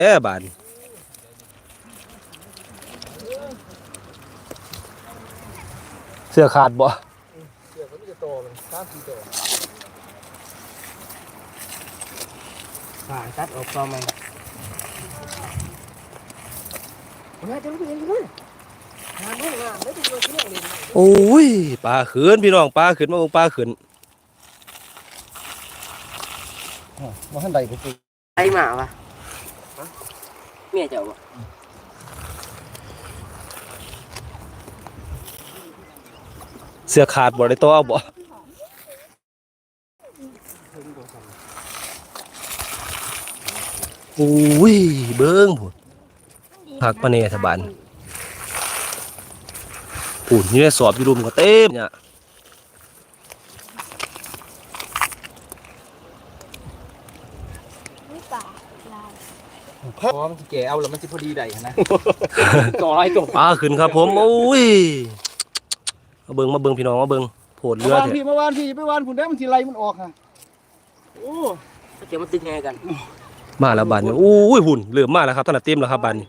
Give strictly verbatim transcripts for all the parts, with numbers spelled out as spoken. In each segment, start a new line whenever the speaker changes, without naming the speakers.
แอบานเสื้อขาดบ่
เสื้อเขาไม่จะโตมันสามสี่โต
ผ่าตัดออกก็มัน
เนี่ยจะรู้เป็นยังไงงานงานไม่ต้องโดนเรื่องเลย
โอ้ยปลาขืนพี่น้องปลาขืนมาปลาขืน
มาขั้นใดก็คือ
ไอหมาปะเมียเจ้าปะ
เสื้อขาดบ่ได้ตัวบ่โอ้ยเบิ้งผุดผักปะเนธบานผุดนี่สอบอยู่รุมก็เต็มเนี่ย
เพราะมันจะแก่เอาแล้วมันจะพอดีได้นะต่อไรตรง
ปลาขึ้นครับผมโอ้ยมาเบิ้งมาเบิ้งพี่น้องมาเบิ้งโผดเรือ
เถอะพี่เมื่อวานพี่ไปวานผุนได้มันทีไรมันออกฮะ
โอ้เดี๋ยวมันตึงไงกัน
มาแล้วบานนี่โอ้ยหุ่นเหลือมากแล้วครับตอนนั้นเต็มแล้วครับบานนี่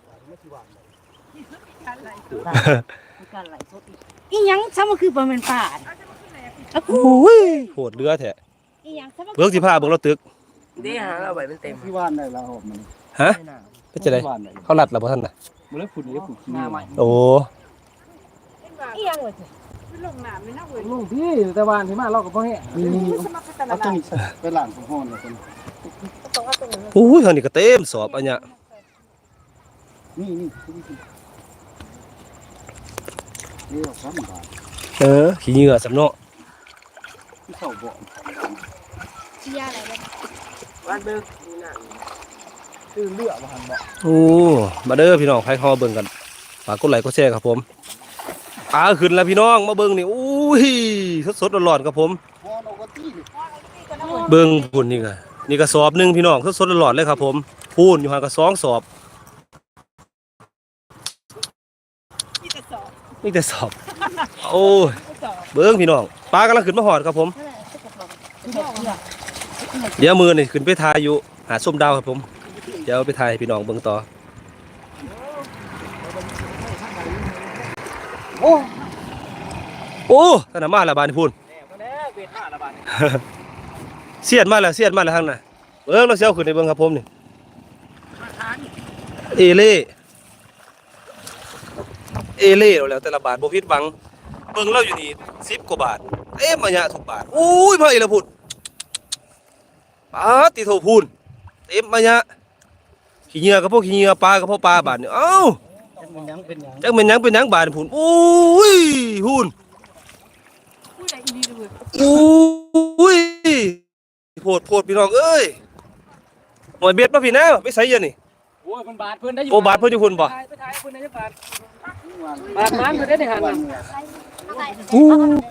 อีหยังซะมันคือบ่แม่นป่า
โอ้ยโผดเรือแท้
อีหยังซะ
เบิ้งสิพาเบิ้งเราตึก
เดี๋ยวหาเราไปมันเต็ม
ที่ว่านได้แล้วมัน
ฮะเป็นจะไดเขาลัดแล้วบ่ท่านน่ะ
มันเลยผุนเลยผุนหน้าใหม่
โอ้
อีหยังว่าสิลงน้ำเลยนะเว้ย
ลุงพี่แต่วานที่มาเราก็บ่แห้เอาตัวนี้ไปหลานของห้องเลยคน
โอ้ยเฮานี่ก็เต็มสอบอันเนี้ย
นี่นี่นี่เราทำบาท
เออขี้เหงื่อสำเนาะ
ที่เข้าบ่
เชียอะไรบ่
บ้านเบิ่งนี่น่ะ
คือเลือดบ่หันบ่
โอ้มาเด้อพี่น้องใครเข้าเบิ่งกันฝากกดไลค์กดแชร์ครับผมปลาขึ้นแล้วพี่น้องมาเบิ่งนี่อุ้ยสดๆร้อนๆครับผมเบิ่งพุ่นนี่ก็นี่ก็สอบนึงพี่น้องสดๆร้อนๆเลยครับผมพูนอยู่ห่างกับสองสอบนี่แต่สอบโอ้ยเบิ่งพี่น้องปลากำลังขึ้นมาหอดครับผมเดี๋ยวมือนี่ขึ้นไปทายอยู่หาส้มดาวครับผมเดี๋ยวไปทายพี่น้องเบิ่งต่อ
โอ้
โอ้ท่านมาแล้วบานพูนเสียดมาแล้วเสียดมาแล้วทางน่ะเบิ่งเราเสียวขึ้นในเบิ่งครับผมนี่เอเล่เอเล่แล้วแต่ละบาทบ่ผิดหวังเบิ่งเราอยู่นี่สิบกว่าบาทเอ๊ะมาเนี่ยทุกบาทอุ้ยพ่ออีละพูนปาติโถพูนเต็มมาเนี่ยขี้เหงื่อกับพวกขี้เหงื่อปลากับพวกปลาบาทนี่เอ้า
จักเป็นยังเป็นยัง
จักเป็นยังเป็นยังบาทพูนอุ้ยพูนอุ้ยโพดโพดพี่น้องเอ้ยหมวยเบ็ดมาพี่นะไปใส่ยันนี่
โอ้ยมันบาทเพิ่นได้อยู่
โอ้บาทเพิ่นอยู่คุณบ่
ไปถ่ายเพิ่นได้บาทบาทมันเพิ่นได้ในหันน่ะ
อู้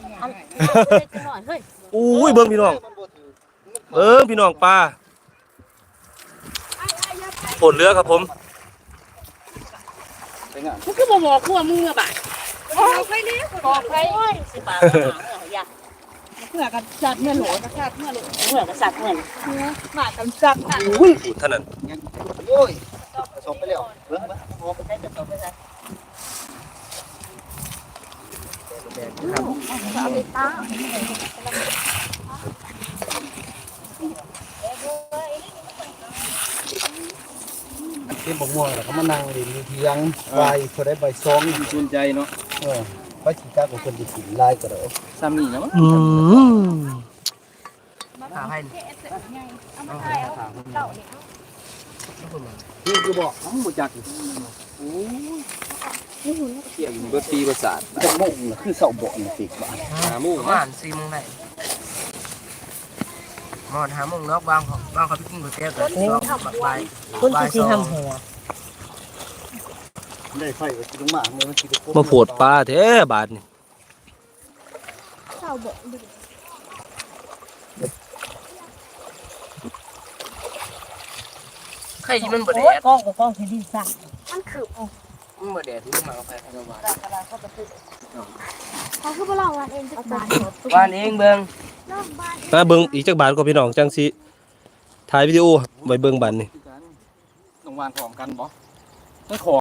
อุ้ยเบิ่งพี่น้องเบิ่งพี่น้องปลาโผดเรือครับผม
มึงคือบ่บอกกูว่ามึงอ่ะบาดบอกไปนี่บอกไปโอ้ยสิบาทบ่หาอย่าเพื่อกันสัตว์เมื่อโหลกันสัตว์เมื่อโหลเพื่อกันสัตว์เมื่อหมากันสัตว์
อุ้ยท่านั้น
โอ้ยสอบไปแล้วเบิ่งบ่พอไปได้จะสอบไปได้
เอาไปตา
เต็มบักม่วงแล้วก็มานั่งเล่นอยู่เถียงใบพอได้ใบซองสนใจเนาะเออไปสิกาของเพิ่นสิกินลายก็ได้ซ้ำนี่นะมั้ง
อืม
หาให้
เอามาถ่ายเอาเต่าเนี่ย
นี่คือบอกทั้งบ่จักโอ้ยเสียงเบิดปีประสาทจักโมงน่ะคือเสาบ่นี่สิบาทห้าโมง
ประมาณสี่โมงได้มอดหาโมงเนาะบางบางเขาไปกินก๋วยเตี๋ยวกันสองบักใบ
คนที่ทำหัว
ได้ไฟก็สิลงมาเมื่อมันสิได้
มาโผดปลาแท้บาทนี่
เต่าบ่
ใครที่มันบ่แดด
กล้องกับกล้องที่ดีสั่งมันคือ
มันบ่แดดที่มาเอาไปเอามา
เขาคือบ่เล่าว่าเองจักบาท
บ้านเองเบิ่ง
มาเบิ่งอีกจักบาทก็พี่น้องจังสิถ่ายวิดีโอไว้เบิ่งบัดนี่
น้องววานพร้อมกันบ่ไม่ขอ